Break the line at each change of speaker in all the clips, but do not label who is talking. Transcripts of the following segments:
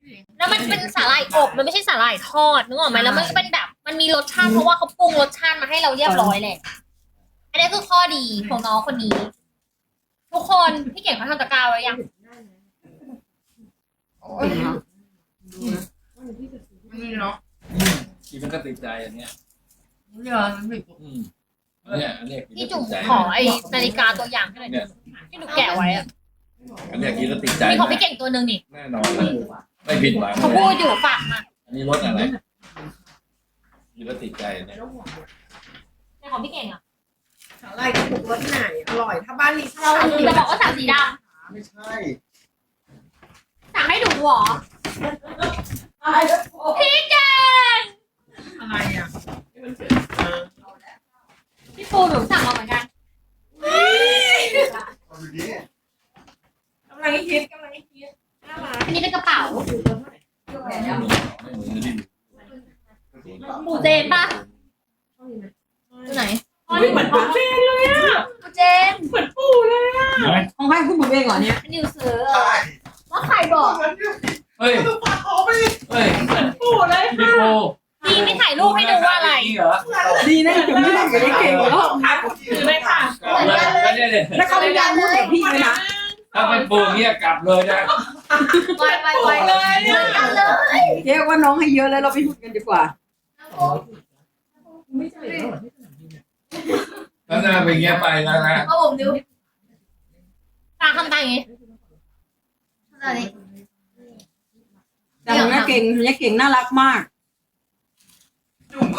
แล้วมันเป็นสาหร่ายอบมันไม่ใช่สาหร่ายทอดนึกออกไหมแล้วมันก็เป็นแบบมันมีรสชาติเพราะว่าเขาปรุงรสชาติมาให้เราเรียบร้อยแหละอันนี้คือข้อดีของน้องคนนี้ ทุกคนพี่เก่งเขาทำตะกร้าไว้ยัง
นี่เนาะ
กินมันก็ติดใจอันเนี้ย
เรือมันไม่กด
อันเนี้ยกิน
พี่
แล้ว
จุ๋ม
ติดใจ
ขอไอ้นาฬิกาตัวอย่างให้หน่อยที่หนูแกะไว้อะ
อันเนี้ยกินแล้วติดใจ
มีของพี่เก่งตัวหนึ่งนี่
แน่นอนเลยไม่ผิดหวัง
เขาพูดอยู่ฝากมา
อันนี้รสอะไรกินแล้วติดใจเนี่ย
ในของพี่เก่งอ่ะ
สาหร่ายกระปุกรสไหนอร่อยถ้าบ้านนี้
เราจะบอกว่าสั่งสีด
ไม่ใช่
ำสั่งให้หนูเหรอพี่เก่ง
อะไรอ่ะ
พี่ปูหนูสั่งมาเหมือนกัน
เอาดูดิ
กำลังฮิตน่ารัก
อันนี้เป็นกระเป๋า
ไม่เหมือนดิ
ปูเจนป่ะตัวไหน
เหมือนปูเจนเลยอ่ะ
ปูเจน
เหมือนปูเลยอ่ะ
ของให้คุณบุ๋มเองเหรอเนี่ย
นิวซื้อ
ใช่
ว่าใครบอก
เฮ้ย
ดูปากคอไป
เฮ้ย
เหมือนปูเลย
พี่โป
พี่ไม่ถ่ายรูปให้ดูว่าอะไร
เหรอ
ดีนะจุ๋มไม่ทำกับได้เก่งแล้ว
ค่ะถือเลยค่ะ
ก็เนี่ยเลย
แล้วเขาพยายามพูดกับพี่เลยนะ
ถ้าเป็นปูเงี้ยกลับเลยนะ
ไวเลยเหมือนกันเลย
เจ๊ว่าน้องให้เยอะแล้วเราไปพูดกันดีกว่า
ถ้าหน้าเป็นเงี้ยไปแล้วนะ
เอาผมดูตาทำตาอย่างงี้ตานี้
แต่ของนี้เก่งของนี้เก่งน่ารักมาก
จุ่มก็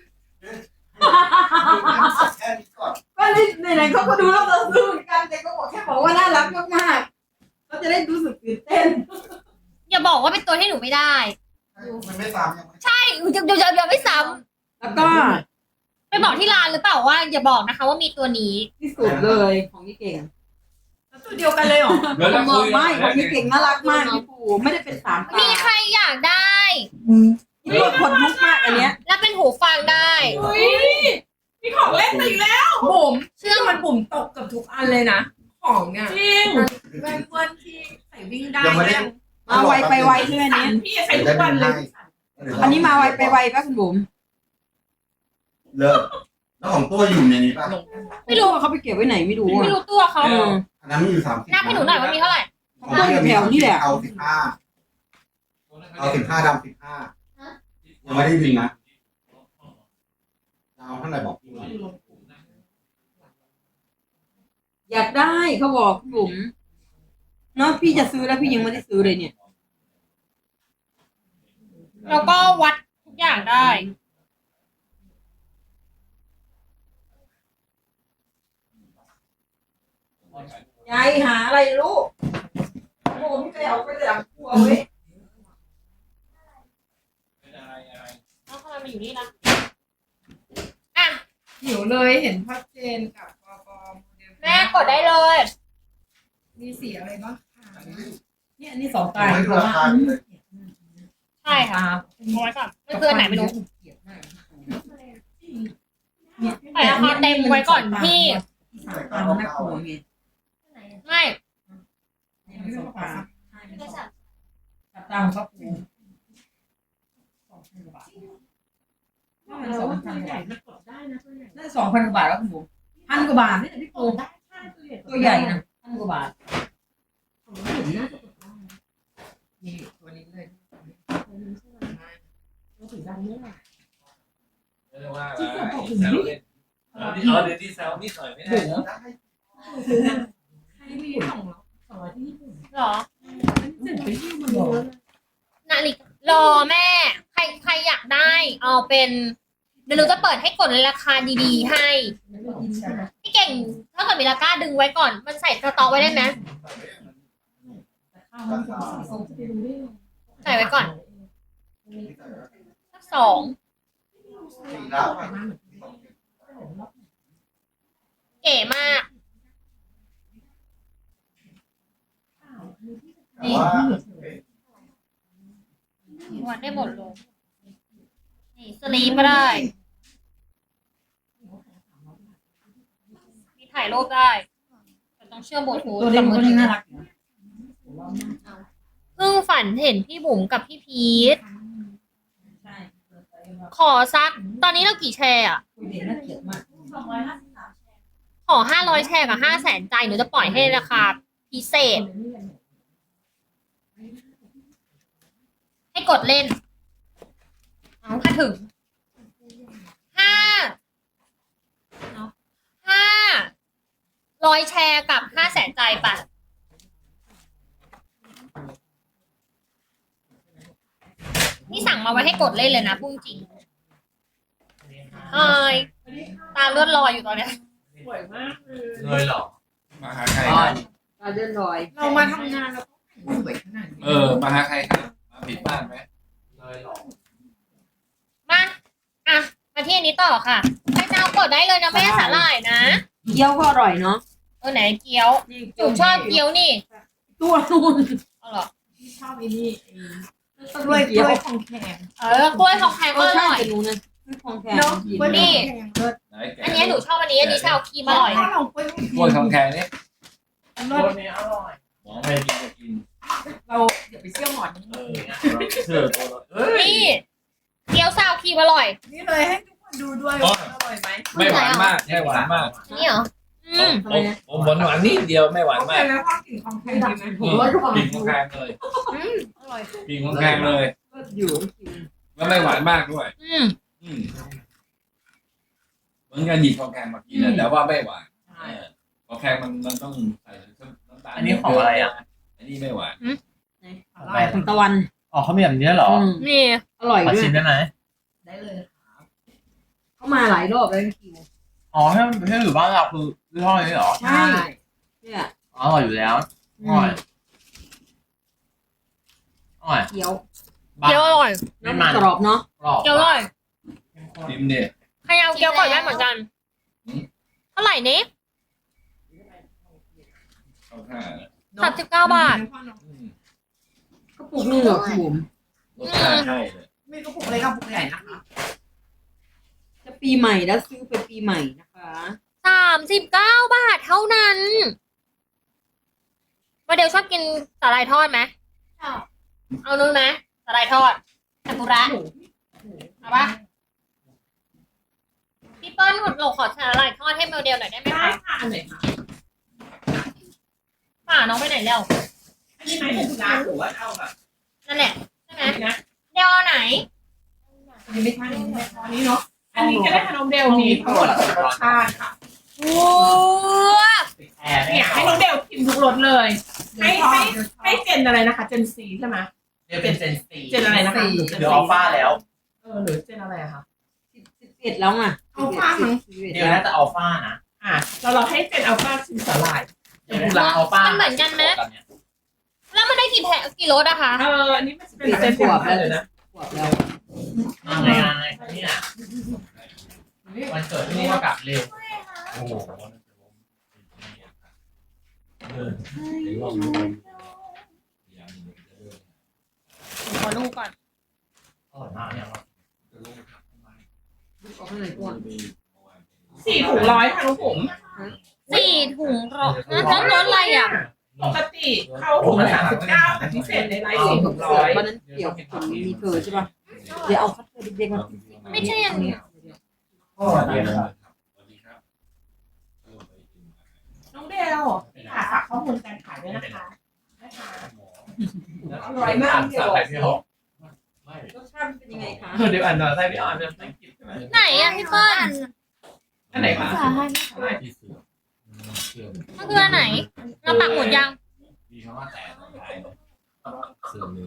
แค่นี้ก่อน
ก็ไหนๆเขาก็ดูแล้วเราซื้อเหมือนกันแต่ก็บอกแค่บอกว่าน่ารักมากๆเขาจะได้รู้สึกตื่นเต้น
อย่าบอกว่าเป็นตัวที่หนูไม่ได้
มันไม่ตามยังไม่
ใช่อย่าไม่ซ้
แล้วก็
ำไปบอกที่ร้านหรือเปล่าว่าอย่าบอกนะคะ ว่ามีตัวนี้
ที่สุดเลยของนี่เก่ง
ตัวเดียวกันเลยเหรอ
เดี๋ยวเรา
บอ
คุ
ก
ย
ไม่ของนี่เก่งน่ารักมากพี่ปูไม่ได้เป็นสามตา
มีใครอยากได้
นี่ตัวคนลุกมากอันเนี้ย
และเป็นหูฟังได้
อุ้ยมีของเล่นมาอีกแล้วบุ๋ม
เชื่อ
มันบุ๋มตกกับทุกอันเลยนะของเนี่ยจริงแว่นเพื่อนที่ใส่วิ่งได้
ยังไม่ได้
มาไวไปไวใช่ไหม
สั
เนี้
นพี่ใส่ทุกวันเลย
อันนี้มาไวไปไวป่ะคุณบุ๋ม
เลิกแล้วของตัวอยู่ในนี้ป่ะ
ไม่รู้
ว่าเขาไปเก็บไว้ไหนไม่รู้
ไม่
อ่ะ
รู้ตัวเขา
เออ
อันนั้นมีอยู่30
นับให้หนูหน่อยว่ามีเท่าไหร่
ตัวอยู่แถวนี่แหละ
เอา15ดำ15ยังไม่ได้บินนะเอาเท่าไหร่บอกพี่หน่อย
อยากได้เขาบอกคุณบุ๋มเนาะพี่จะซื้อแล้วพี่ยังไม่ได้ซื้อเลยเนี่ย
แล้วก็วัดทุกอย่างได้
ยายหาอะไรลูกโอ้พี่ไปเอาไปหลังครัวเว้ย
แล้วทำไมมาอยู่นี่ล่ะอ่ะ
หิวเลยเห็นพัดเจนกับปอปอโมเดล
แม่กดได้เลย
มีสีอะไรบ้างคะ
เนี่ยอันนี้สองตา
ไม่ดูราคาเลย
ใช่ค่ะเอาไว้ก่อนไม่เกินไหนไม่รู้ใส่ราคาเต็มไว้ก่อนพี่
สามตาน่ากลัวไง
ไม่
ไม่สองตาสามตาของก็ปูน่าจะ2,000 กว่าบาทแล้วคุณบุ๋ม1,000 กว่าบาทนี่แหละพี่ปูตัวใหญ่นะ1,000 กว่าบาทนี่ตัวนี้เลย
ไม่ได้ว่าอะไรแซวเล่นเอาเดี๋ยวที่แซวนิดหน่อยไม่ได้เหรอ
ให้มีของเรา
หรอนาฬิการอแม่ ใครอยากได้ เอาเป็นเดี๋ยวหนูจะเปิดให้กดราคาดีๆให้พี่เก่งถ้าเกิดมีราคาดึงไว้ก่อน มันใส่สต็อกไว้ได้ไหมใส่ไว้ก่อนสัก2เก๋มากนี่วัดได้หมดเลยนี่สลีปก็ได้มีถ่ายรูปได้แต่ต้องเชื่อมบลูทูธ
ตัวเล็ก
กับ
มัน
มือถือ
ก็น่ารัก
คืพิ่งฝันเห็นพี่บุ๋มกับพี่พีท
ใช่
ขอสัก ตอนนี้เรากี่แชร์อ่ะ
คุยเด็กน่าเกลียดมาก
ขอ500 แชร์กับ500,000 ใจหนูจะปล่อยให้ราคาพิเศษ ให้กดเล่น เอาถ้าถึง500 แชร์กับ500,000 ใจป่ะนี่สั่งมาไว้ให้กดเล่นเลยนะพูดจริงตาเลือดลอยอยู่ตอนเนี้ย
สวยมากเลย
เลยเหรอมาหาใคร
อ๋อ
ครับ
ตาเดินลอย
เรามาทำงานเราต้องสวยขนาดนี้
มาหาใครครับมาผิดบ้านไหมเลยเหรอ
มาที่อันนี้ต่อค่ะใครจะเอากดได้เลยนะแม่สาหร่ายนะ
เกี๊ยวก็อร่อยเนาะ
ไหนเกี๊ยวหนูชอบเกี๊ยวนี่
ตัวนู่น
เอาเหรอ
ที่ชอบไอ้นี่กล้วยของแข็ง
กล้วยทองแพงก็อ
ใช่
ร่อย
จะรู้นะของแข็ง
เนาะกล้วย
นี่
แข็งเลิศ
ไหนแก
อันนี้หนูชอบอันนี้ชาวครีมอร่อย
ถ้าเรากล้วย
กล้วยทองแข็งนี่
เลิศนี้อร่อย
หมอไม่กินจะกิน
เราเดี๋ยวไปเชี่ยวหมอน
เชื่อตัวเรา
นี่เกี๊ยวซาวครีมอร่อย
นี่เลยให้ทุกคนดูด้วยว่าอร่อยไหม
ไม่หวานมากไม่หวานมาก
นี่เหรอ
ผมหวานนิดเดียวไม่หวาน
โอเค
มาก
แล้วก็กลิ่นของแข็งดีไหม
กินของแข็งเลย
อร่อย
กินของแข็งเลย
อยู่
แล้วไม่หวานมากด้วยเหมือนกันหยิบของแข็งมากินแต่ว่าไม่หวานของแข็งมันต้องใส่น้ำตาล
อันนี้ของอะไรอ่ะ
อันนี้ไม่หวาน
อะไรของตะวัน
อ๋อเขามีแบบนี้เหรอ
นี่
อร่อย
ขอ
ด้วย
ชิมได้ไหม
ได้เลย
เขามาหลายรอบแล้วคิว
อ๋อถ้าอยู่บ้านเราคือยี่ห้อนี้เหรอ
ใช่เนี่ย
อ๋ออร่อยอยู่แล้วอร่อยอร่อย
เกี๊ยว
เกี๊ยวอร่อย
ไม่มัน
กรอบเนาะ
กรอบ
เกี๊ยวอร่อย
ชิมเนี่ย
ใครเอาเกี๊ยวก่อนได้เหมือนกันเท่าไหร่นี้
เข้าท่า
39 บาท
กระปุกนึงเหรอคุณบุ๋ม
รสชาติใช่เลย
ไม่ก็ปุกเล็กกับปุกใหญ่นะคะ
จะปีใหม่แล้วซื้อไปปีใหม่นะคะ
39 บาทเท่านั้นโมเดลชอบกินสาหร่ายทอดไหมชอบเอานู้นไหมสาหร่ายทอดซากุระเอาปะพี่เปิ้ลหนูขอสาหร่ายทอดให้โมเดลหน่อยได้ไหม
ได้
คะ
ค่ะอันไหนคะ
ป่าน้องไปไหนแล้ว
อันนี้ไหมถึงร้านหรือว่าเอาแบบ
นั่นแหละใช่ไหม
นะ
เดลเอาไหน
อันนี้ไม่ใช่อันนี้เนาะอันนี้ก็ได้ขนมเดลมีทั้งหมดรสชาติค่ะ
ว้าว
แอร์
เนี่ยให้น้องเดลชิมทุกรสเลย ให้เจนอะไรนะคะเจนซีใช่ไหม
เดี๋ยวเป็นเซนซี
เจนอะไรนะคะ
เดี๋ยวอัลฟาแล้ว
หรือเจนอะไรอะคะ
11แล้วอ่ะ
อัลฟามั้ง
เดี๋ยวน่าจะอัลฟานะ
เราให้เจนอัลฟาชิมสลาย
เดี๋ยวกุลาอัลฟา
มันเหมือนกันไหมแล้วมันได้กี่รสอะคะ
อันนี้มันเป็นเจนขวบเลยนะ
ขวบแล้ว
อะไรเนี่ยวันเกิดที่นี่ก็กลับเร็ว
โอ้โห
ขอดูก่อน
อร่อยมากเนี่ย
ออกข้างในก่อน
4 ถุง100ค่ะน้องผม
4 ถุงแล้วรสอะไรอะ
ปกติเข้าถุงละ39แต่พิเศษในไลฟ์4 ถุง
วันนั้นเดี๋ยวผมมีเธอใช่ป่ะเดี๋ยวเอาคัตเตอร์เด็กๆมา
ไม่ใช่อันนี้
สวัสดีครับสวัสดีครับ
น้องเดลฝากข้อมูลการขายด้วยนะคะอร่อยมากเดล
รสชาติเป็นยังไงคะ
เดี๋ยวอ่านหน่อยใส่พี่อ่านเป็นภาษาอังกฤษใช่ไหม
ไหนอะพี่เปิ้ล
อันไหนคะ
มันคืออันไหนเราปักหมุดยัง
มีคำว่าแต่ตรงท้ายเสื่อมเร็ว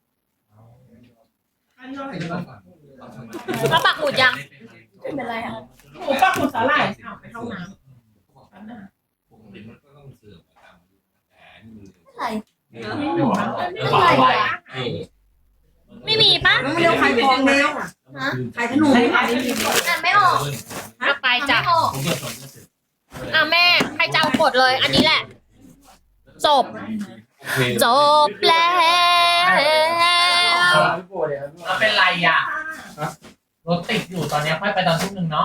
อันนี้อะไร
เราปักหมุดยัง
เป็นไรคะหมูปักหมูสาหร่ายไปเข้าน้ำ
ปกติมันก็ต้องเสื่อมไปตามแต่นี่มัน
อะไร
ไม่หมูนะ
ไม่มีปะ
น้องเร็วขายของแล้วขายขนม
ไม่ขายไม่มี
อ่านไม่ออกเอาไปจ้ะ
ผมก็สนก็เสร็จ
แม่ใครจะเอากดเลย อันนี้แหละ จบ จบแล้ว
มันเป็นไรอ่ะรถติดอยู่ตอนนี้ค่อยไปตอนทุ่มหนึ่งเนาะ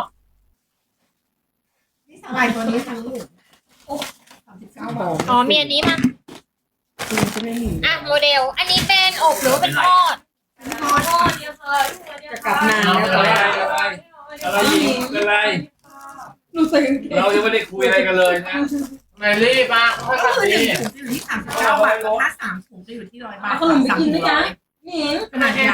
นี่สาหร่ายตัวนี้ทั้ง39 บาท
อ๋อมีอันนี้มา
จะไม่มี
อ่ะโมเดล อันนี้เป็นอบหรือว่าเป็นทอด
ทอดเนี่ยค่ะ
จะกลับนาน
เอา
แล้ว
อะไรอีกเป็นไร
หนูใส่กางเกง
เรายังไม่ได้คุยอะไรกันเลยนะทำไมรีบอ่ะค่อย
ก็
ๆ
คือห
ดี
นึ่งถุงจะอยู่ที่39 บาทถ้า3 ถุงจะอยู่ที่100 บาท
เอาขนมไปกินด้วยนะหนิง
ขนาดใหญ่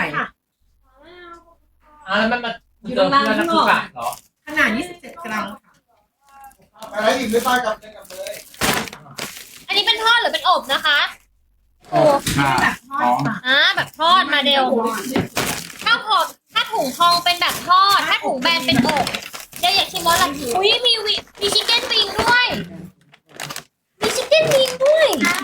แล้วมันมาเจอเพื่อนนักศึกษาเหรอ
ขนาด27 กรัมค่ะ
อะไรอีกไม่ป้ายกับเลย
อันนี้เป็นทอดหรือเป็นอบนะคะโอ้
แบบทอดค่ะ
แบบทอดมาเดลถ้าถุงทองเป็นแบบทอด ถ้าถุงแบนเป็นอบเดี๋ยวอยากชิมว่าอะไรอุ้ยมีชิคเก้นวิงด้วย มีชิคเก้นวิงด้วย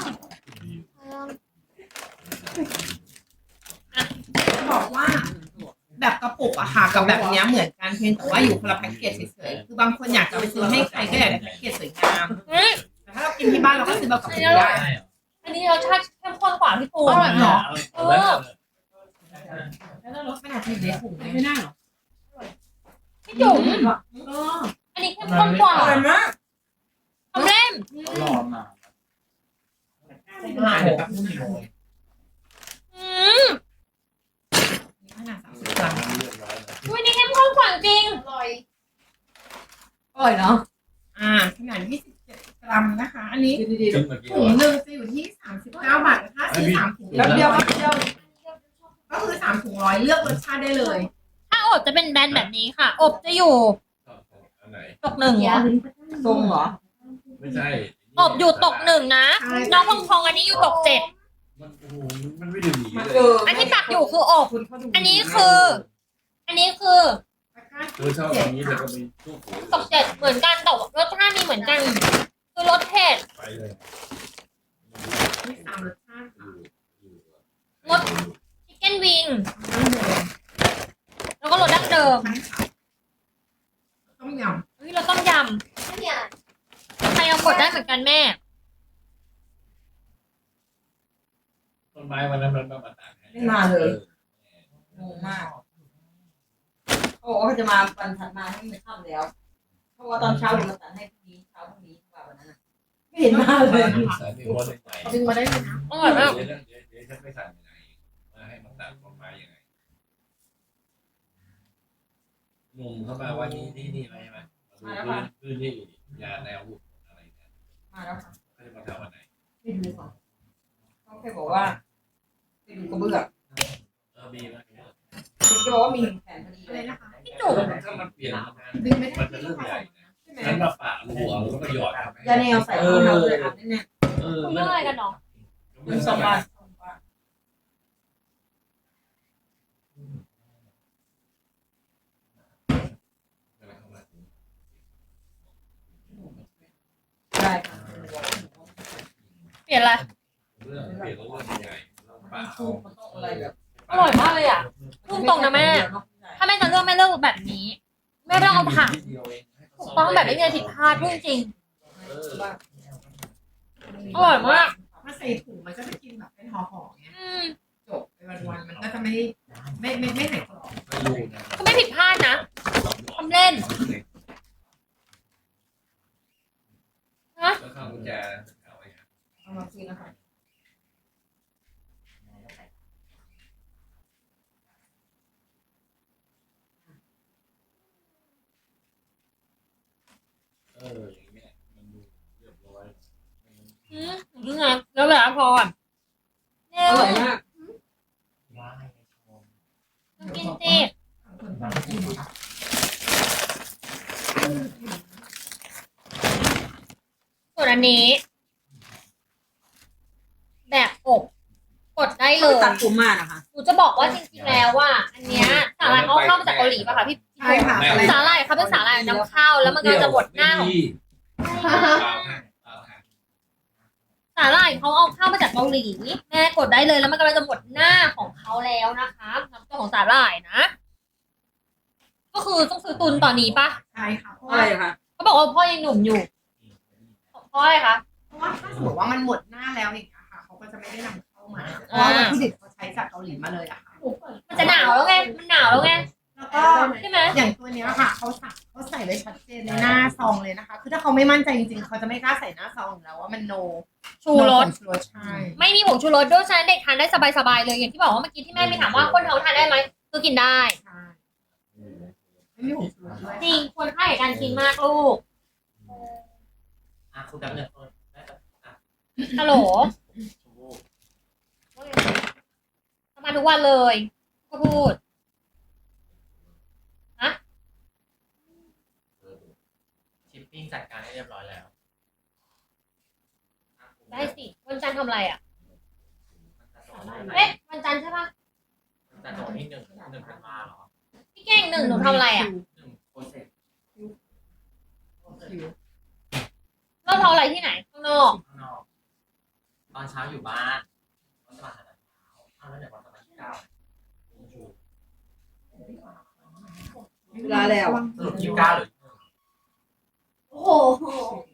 บอกว่า แบบกระปุกอะค่ะกับแบบเนี้ยเหมือนกันเพียงแต่ว่าอยู่คนละแพ็กเกจเฉยๆคือบางคนอยากจะไปซื้อให้ใครก็อยากได้แพ็กเกจสวยงามแต่ถ้าเรากินที่บ้านเราก็ซื้อแบบกระปุกได้
อันนี้รสชาติเข้มข้นกว่าพี่ปู
อร่อยเหรอ
เออ
แล้วรสมันอาจจะอยู่ในถุงไม่ได้หรอ
พี่จุ๋ม
เออ
อันนี้เข้มข้นกว่า
อร่อยมาก
ทำเล่ม
รอมา
เดี๋ยวแป๊บนึง
อืม
ขนาด30 กรัม
อุ้ยนี่เข้มข้นกว่าจริง
อร่อยเนาะขนาด27 กรัมนะคะ อันนี้
ขึ้นมากี่
ถุงหนึ่งจะอยู่ที่39 บาทแต่ถ้าซื้อ3 ถุง
แป๊บเดียว
ก็คือ3 ถุง100เลือกรสชาติได้เลย
ถ้าอบจะเป็นแบนแบบนี้ค่ะ อบจะอยู่
อันไหน
ตกหนึ่ง
ทรงเหรอ
ไม่ใช่
อบอยู่ตกหนึ่งนะ น้องพองพองอันนี้อยู่ตก7
มันโอ้โหมันไม่ได้หนีเลย
อันที่ปักอยู่คืออบ อันนี้คือ
เธอชอบอย่างนี้แต่ก็มีตู้หู
ตก7เหมือนกันแต่ว่ารสชาติมีเหมือนกัน คือรสเผ็ด
ไปเลย
มี3 รสชาติค่ะ
รสชิคเก้นวิง แล้วก็รสดั้งเดิม
ต้มย
เฮ้ยรสต้มยำใครเอากดได้เหมือนกันแม่
ต้นไม้วันนั้นมันมาตัด
ไม่มาเลยงงมากโอ้เขาจะมาวันถัดมาให้มันค่ำแล้วเพราะว่าตอนเช้าเรามาตัดให้พรุ่งนี้เช้าพรุ่งนี้ว่าวันนั้นไม่เห็นมาเลย
สายมีวันหนึ่งไป
ำดึงมาได้เลยนะ
อร่อยมาก
เดี๋ยวฉันไม่สั่งยังไงมาให้มันตัดต้นไม้ยังไงงงเข้ามาวันนี้นี่อะไรใช่ไหมพื้นที่ยาแนวอะไรเนี่ย
มาแล้วค่ะ
เขาจะมาทำวันไหน
ไม่ดูค่ะเขาแค่บอกว่าไปดูกระเบื้อง
ดีนะ
คุณจะบอกว่ามี1 แผ่นพอดี
อะไรนะคะ
พี่จุ๋ม
ถ้ามันเปลี่ยน
ดึงไม่ได้
มันจะเรื่องใหญ่
ใช่ไหม
ฉันมาปะรูเอาแล้วก็หยอด
ยาแนวใส่รองเท้าเลยอ่ะแน่
คุณเรื่องอะไรกันเนาะ
ๆเป็น2 บาท ได้ค่ะ
เปลี่ยนอะไร
เรื่องเปลี่ยนเรื่องใหญ่ปะ
มันต้องอะไรแบบ
อร่อยมากเลยอ่ะพูดตรงนะแม่ ถ้าแม่จะเลือกแม่เลือกแบบนี้ แม่ไม่ต้องเอาผักถูกต้องแบบไม่มีอะไรผิดพลาดพูดจริงอร่อยมาก
ถ้าใส่ถุงมันก็จะกินแบบเป็นห่อๆเงี้ย
อืม
จบไปวันๆมันก็จะไม่หายกรอบ
ก็ไม่ผิดพลาดนะทำเล่น
แล้วข้าวกุญแจเอาไว้
เอามาซื้อนะคะ
อย่างเงี้ยมันดูเรียบร้อย
นี่ไงแล้วแบบพออ่ะเร็
อ
ว
ร่อยมาก
กินสิส่วนอันนี้ แบบอบกดได้เลย
ตัดผมมานะคะ
หนูจะบอกว่าจริงๆแล้วว่าอันเนี้ยสาหร่ายเขาเข้ามาจากเกาหลีป่ะคะพี่
ใช่ค่ะ
สาหร่ายเขาเป็นสาหร่ายนำเข้าแล้วมันก็จะหมดหน้าของสาหร่ายเขาเอาเข้ามาจากเกาหลีแม่กดได้เลยแล้วมันกำลังจะหมดหน้าของเขาแล้วนะคะน้ำตัวของสาหร่ายนะ ก็คือต้องซื้อตุนตอนนี้ป่ะ
ใช่ค่ะเพราะ
อะไร
ว่า
คะ
เขาบอกว่าพ่อยังหนุ่มอยู่เพราะอะไรคะ
เพราะว่าถ้าสมมติว่ามันหมดหน้าแล้วอย่างเงี้ยค่ะเขาก็จะไม่ได้นำเข้ามาเพราะว่าวัตถุดิบเขาใช้จากเกาหลีมาเลยอะค่ะ
มันจะหนาวแล้วไงมันหนาวแล้วไง
แล้วก็
ใช่ไหม
อย่างตัวเนี้ยค่ะเขาใส่ส่ไว้ชัดเจนในหน้าซองเลยนะคะ คือถ้าเขาไม่มั่นใจจริงๆเขาจะไม่กล้าใส่หน้าซองอยู่แล้วว่ามันโน
ชูรส
ชูรสใช่
ไม่มีผงชูรสด้วยฉะนั้นเด็กทานได้สบายๆเลยอย่างที่บอกว่าเมื่อกี้ที่แม่มีถามว่าคนท้องทานได้ไหมคือกินได้
ใช่ไม่มีผงชูรสด้วย
จริงควรค่าแก่การกินมากลูก
คุณดับเนี่ยได้ปะ
ฮัลโหล
ชมพู่
มาทุกวันเลยก็พูด
ชิปปิ้งจัดการให้เรียบร้อยแล้ว
ได้สิวันจันทร์ทำอะไรอ่ะ
มันจะส่งให้ไหน
เอ๊ะวันจันทร์ใช่ปะ
มันจะส่งที่หนึ่งธันวาเหรอ
พี่เก่งหนึ่งหนูทำอะไรอ่ะ
หนึ่งโปรเซส
เราทำอะไรที่ไหนข้างนอก
ข้างนอกตอนเช้าอยู่บ้านวันจะมาหาตอนเช้าแล้วเดี๋ยววันจะมาที่เก้า
เวลาแล้ว
สรุป29หรือ
โอ้โห